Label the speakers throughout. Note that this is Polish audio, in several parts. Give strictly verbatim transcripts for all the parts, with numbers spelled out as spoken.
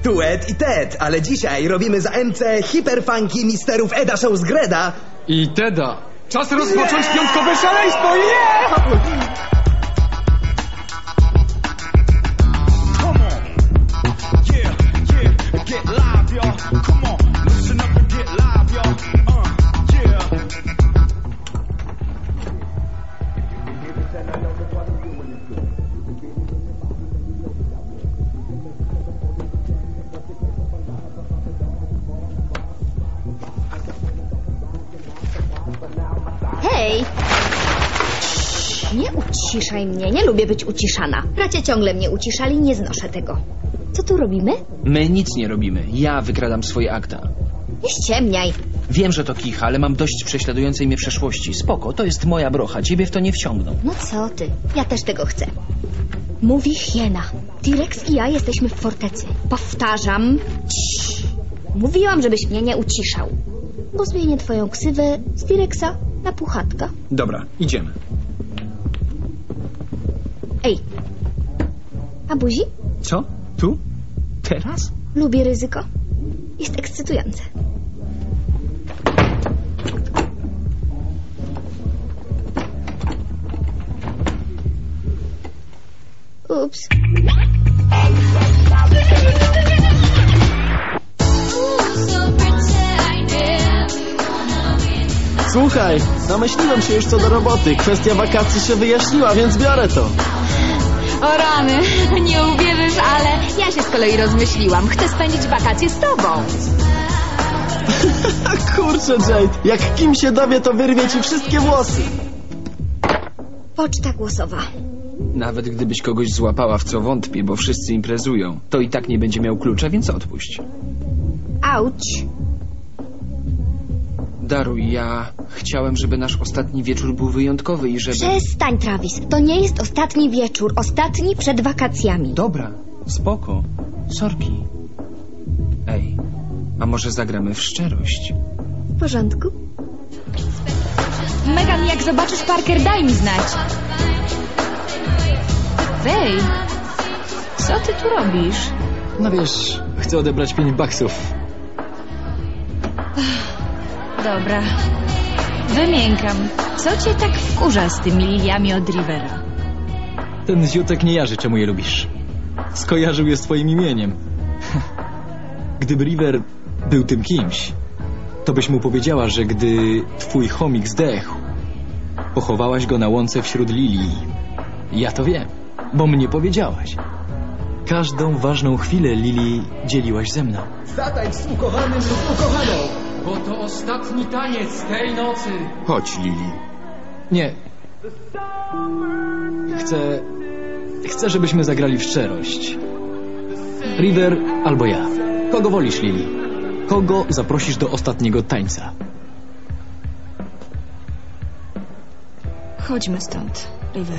Speaker 1: Tu Ed i Ted, ale dzisiaj robimy za M C hiperfunky misterów Eda Shows-Greda
Speaker 2: i Teda. Czas rozpocząć yeah! piątkowe szaleństwo! Yeah!
Speaker 3: Hej! Nie uciszaj mnie, nie lubię być uciszana. Bracia ciągle mnie uciszali, nie znoszę tego. Co tu robimy?
Speaker 4: My nic nie robimy. Ja wykradam swoje akta.
Speaker 3: Nie ściemniaj.
Speaker 4: Wiem, że to kicha, ale mam dość prześladującej mnie przeszłości. Spoko, to jest moja brocha, ciebie w to nie wciągną.
Speaker 3: No co ty? Ja też tego chcę. Mówi hiena. T-Rex i ja jesteśmy w fortecy. Powtarzam. Ciii. Mówiłam, żebyś mnie nie uciszał. Bo zmienię twoją ksywę z T-Rexa na Puchatka.
Speaker 4: Dobra, idziemy.
Speaker 3: Ej. A buzi?
Speaker 4: Co? Tu? Teraz?
Speaker 3: Lubię ryzyko. Jest ekscytujące. Ups.
Speaker 5: Słuchaj, namyśliłem się już co do roboty. Kwestia wakacji się wyjaśniła, więc biorę to.
Speaker 6: O rany, nie uwierzysz, ale ja się z kolei rozmyśliłam. Chcę spędzić wakacje z tobą.
Speaker 5: Kurczę, Jade, jak Kim się dowie, to wyrwie ci wszystkie włosy.
Speaker 3: Poczta głosowa.
Speaker 4: Nawet gdybyś kogoś złapała, w co wątpię, bo wszyscy imprezują, to i tak nie będzie miał klucza, więc odpuść.
Speaker 3: Auć.
Speaker 4: Daruj, ja chciałem, żeby nasz ostatni wieczór był wyjątkowy i żeby...
Speaker 3: Przestań, Travis. To nie jest ostatni wieczór. Ostatni przed wakacjami.
Speaker 4: Dobra, spoko. Sorki. Ej, a może zagramy w szczerość?
Speaker 3: W porządku.
Speaker 6: Megan, jak zobaczysz Parker, daj mi znać. Wej, co ty tu robisz?
Speaker 2: No wiesz, chcę odebrać pięć baksów.
Speaker 6: Dobra. Wymiękam. Co cię tak wkurza z tymi liliami od Rivera?
Speaker 2: Ten ziutek nie jarzy, czemu je lubisz. Skojarzył je z twoim imieniem. Gdyby River był tym kimś, to byś mu powiedziała, że gdy twój chomik zdechł, pochowałaś go na łące wśród lilii. Ja to wiem, bo mnie powiedziałaś. Każdą ważną chwilę Lili dzieliłaś ze mną.
Speaker 1: Zatańcz z ukochanym lub ukochaną.
Speaker 2: Bo to ostatni taniec tej nocy.
Speaker 7: Chodź, Lili.
Speaker 2: Nie. Chcę... Chcę, żebyśmy zagrali w szczerość. River albo ja. Kogo wolisz, Lili? Kogo zaprosisz do ostatniego tańca?
Speaker 6: Chodźmy stąd, River.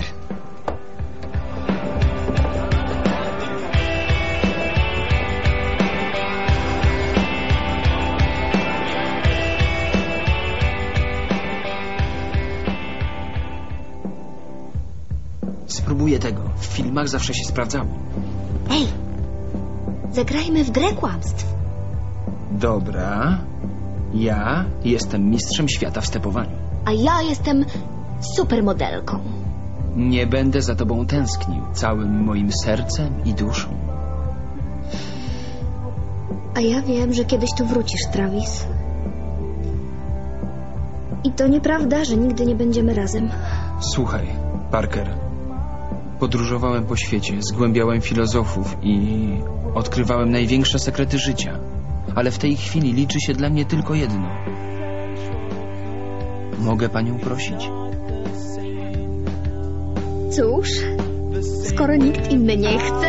Speaker 4: Spróbuję tego. W filmach zawsze się sprawdzało.
Speaker 3: Ej, zagrajmy w grę kłamstw.
Speaker 4: Dobra. Ja jestem mistrzem świata w stepowaniu.
Speaker 3: A ja jestem supermodelką.
Speaker 4: Nie będę za tobą tęsknił całym moim sercem i duszą.
Speaker 3: A ja wiem, że kiedyś tu wrócisz, Travis. I to nieprawda, że nigdy nie będziemy razem.
Speaker 4: Słuchaj, Parker. Podróżowałem po świecie, zgłębiałem filozofów i odkrywałem największe sekrety życia. Ale w tej chwili liczy się dla mnie tylko jedno. Mogę panią prosić?
Speaker 3: Cóż, skoro nikt inny nie chce...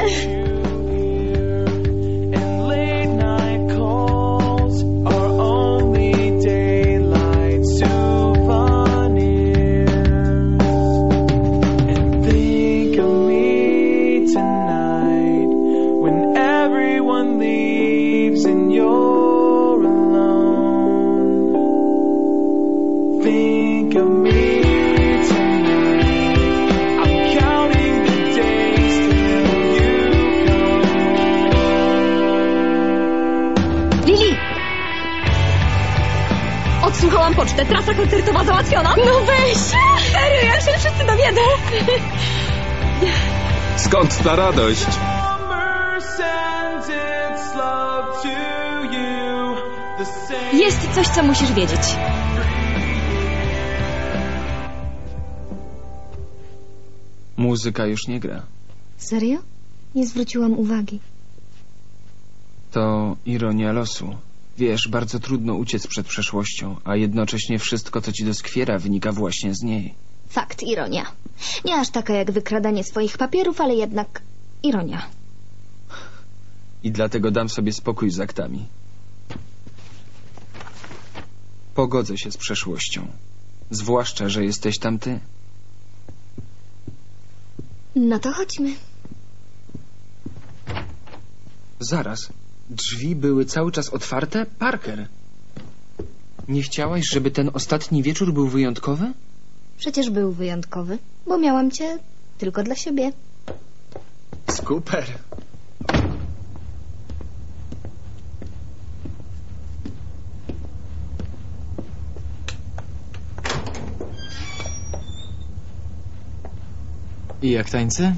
Speaker 7: pocztę. Trasa koncertowa załatwiona. No weź! Serio, jak się wszyscy dowiedzą.
Speaker 8: Skąd ta radość?
Speaker 6: Jest coś, co musisz wiedzieć.
Speaker 4: Muzyka już nie gra.
Speaker 3: Serio? Nie zwróciłam uwagi.
Speaker 4: To ironia losu. Wiesz, bardzo trudno uciec przed przeszłością, a jednocześnie wszystko, co ci doskwiera, wynika właśnie z niej.
Speaker 3: Fakt, ironia. Nie aż taka jak wykradanie swoich papierów, ale jednak ironia.
Speaker 4: I dlatego dam sobie spokój z aktami. Pogodzę się z przeszłością. Zwłaszcza, że jesteś tam ty.
Speaker 3: No to chodźmy.
Speaker 4: Zaraz. Drzwi były cały czas otwarte? Parker! Nie chciałaś, żeby ten ostatni wieczór był wyjątkowy?
Speaker 3: Przecież był wyjątkowy, bo miałam cię tylko dla siebie.
Speaker 4: Super!
Speaker 2: I jak tańce?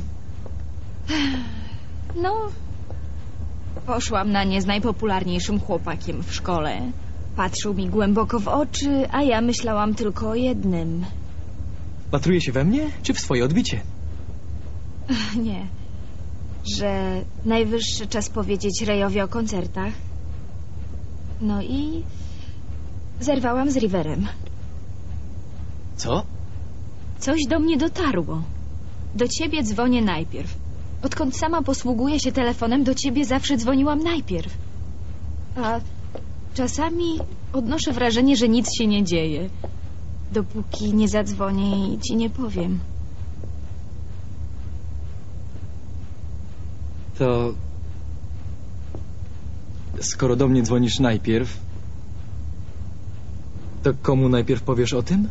Speaker 6: No, poszłam na nie z najpopularniejszym chłopakiem w szkole. Patrzył mi głęboko w oczy, a ja myślałam tylko o jednym.
Speaker 2: Patruje się we mnie, czy w swoje odbicie?
Speaker 6: Nie, że najwyższy czas powiedzieć Rayowi o koncertach. No i zerwałam z Riverem.
Speaker 2: Co?
Speaker 6: Coś do mnie dotarło. Do ciebie dzwonię najpierw. Odkąd sama posługuję się telefonem, do ciebie zawsze dzwoniłam najpierw. A czasami odnoszę wrażenie, że nic się nie dzieje, dopóki nie zadzwonię i ci nie powiem.
Speaker 2: To... Skoro do mnie dzwonisz najpierw, to komu najpierw powiesz o tym?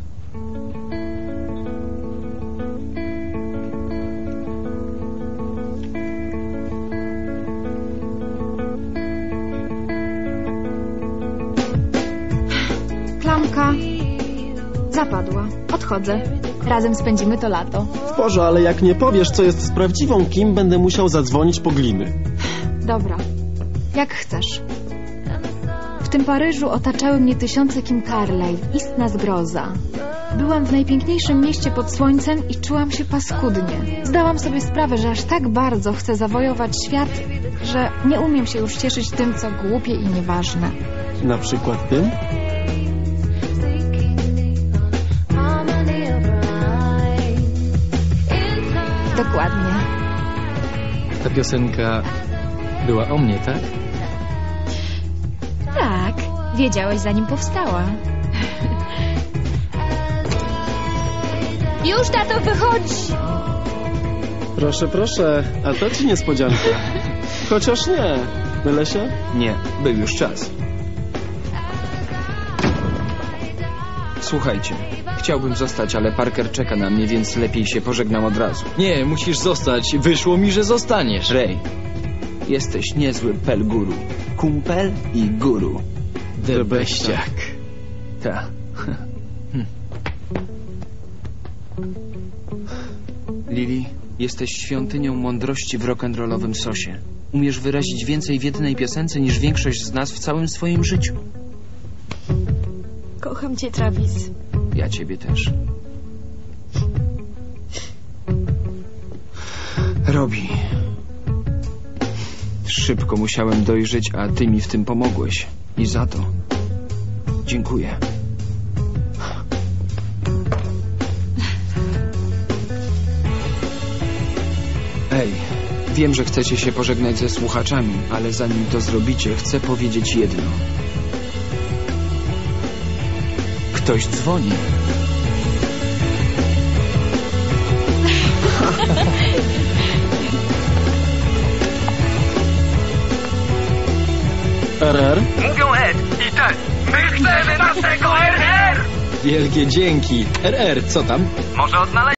Speaker 7: Klamka zapadła. Odchodzę. Razem spędzimy to lato.
Speaker 5: Boże, ale jak nie powiesz, co jest z prawdziwą Kim, będę musiał zadzwonić po gliny.
Speaker 7: Dobra. Jak chcesz. W tym Paryżu otaczały mnie tysiące Kim Carlyle. Istna zgroza. Byłam w najpiękniejszym mieście pod słońcem i czułam się paskudnie. Zdałam sobie sprawę, że aż tak bardzo chcę zawojować świat, że nie umiem się już cieszyć tym, co głupie i nieważne.
Speaker 5: Na przykład tym?
Speaker 7: Dokładnie.
Speaker 2: Ta piosenka była o mnie, tak?
Speaker 6: Tak, wiedziałeś, zanim powstała. Już, tato, wychodź!
Speaker 5: Proszę, proszę, a to ci niespodzianka. Chociaż nie. Mylę się?
Speaker 4: Nie, był już czas. Słuchajcie, chciałbym zostać, ale Parker czeka na mnie, więc lepiej się pożegnam od razu.
Speaker 2: Nie, musisz zostać. Wyszło mi, że zostaniesz.
Speaker 4: Ray, jesteś niezły pel guru. Kumpel i guru.
Speaker 2: The beściak.
Speaker 4: Ta. Lily, jesteś świątynią mądrości w rock'n'rollowym sosie. Umiesz wyrazić więcej w jednej piosence niż większość z nas w całym swoim życiu.
Speaker 6: Kocham cię, Travis.
Speaker 4: Ja ciebie też. Robi. Szybko musiałem dojrzeć, a ty mi w tym pomogłeś. I za to dziękuję. Ej, wiem, że chcecie się pożegnać ze słuchaczami, ale zanim to zrobicie, chcę powiedzieć jedno. Ktoś dzwoni.
Speaker 5: R R?
Speaker 9: Mówią Ed i Ted. My chcemy naszego R R!
Speaker 2: Wielkie dzięki. R R, co tam?
Speaker 9: Może odnaleźć